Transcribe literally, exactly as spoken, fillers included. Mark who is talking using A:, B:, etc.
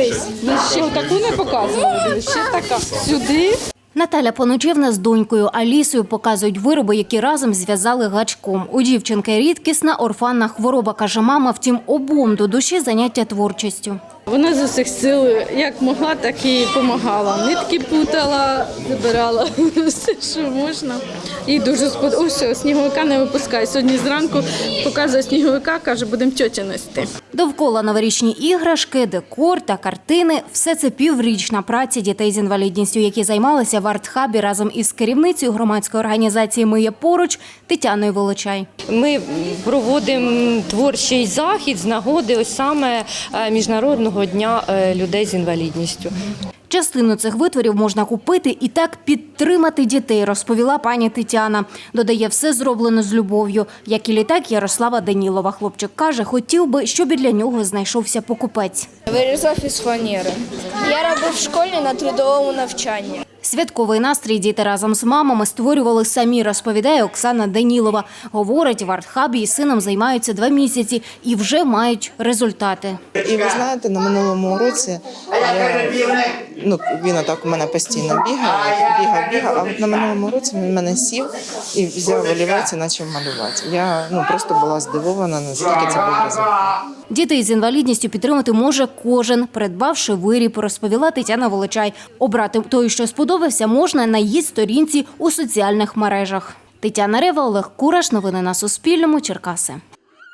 A: Дивись, ми ще отаку не показували, дивись, ще така. Сюди.
B: Наталя Поночевна з донькою Алісою показують вироби, які разом зв'язали гачком. У дівчинки рідкісна орфанна хвороба, каже мама, втім обом до душі заняття творчістю.
A: Вона з усіх сил, як могла, так і допомагала. Нитки путала, забирала все, що можна. І дуже сподобалося. Ось, сніговика не випускає. Сьогодні зранку показує сніговика, каже, будемо тьоті нести.
B: Довкола новорічні іграшки, декор та картини – все це піврічна праця дітей з інвалідністю, які займалися в арт-хабі разом із керівницею громадської організації «Ми є поруч» Тетяною Волочай.
C: Ми проводимо творчий захід з нагоди ось саме Міжнародного дня людей з інвалідністю.
B: Частину цих витворів можна купити і так підтримати дітей, розповіла пані Тетяна. Додає, все зроблено з любов'ю. Як і літак Ярослава Данілова. Хлопчик каже, хотів би, щоб і для нього знайшовся покупець.
D: Вирізав із фанери. Я робив в школі на трудовому навчанні.
B: Святковий настрій діти разом з мамами створювали самі, розповідає Оксана Данілова. Говорить, в арт-хабі із сином займаються два місяці і вже мають результати.
E: І ви знаєте, на минулому році я, ну, він отак у мене постійно бігає, бігав, бігав, а от на минулому році він в мене сів і взяв олівець і почав малювати. Я ну, просто була здивована, наскільки це був результат.
B: Дітей з інвалідністю підтримати може кожен, придбавши виріб, розповіла Тетяна Волочай. Обрати той, що сподобався, можна на її сторінці у соціальних мережах. Тетяна Рева, Олег Кураш. Новини на Суспільному. Черкаси.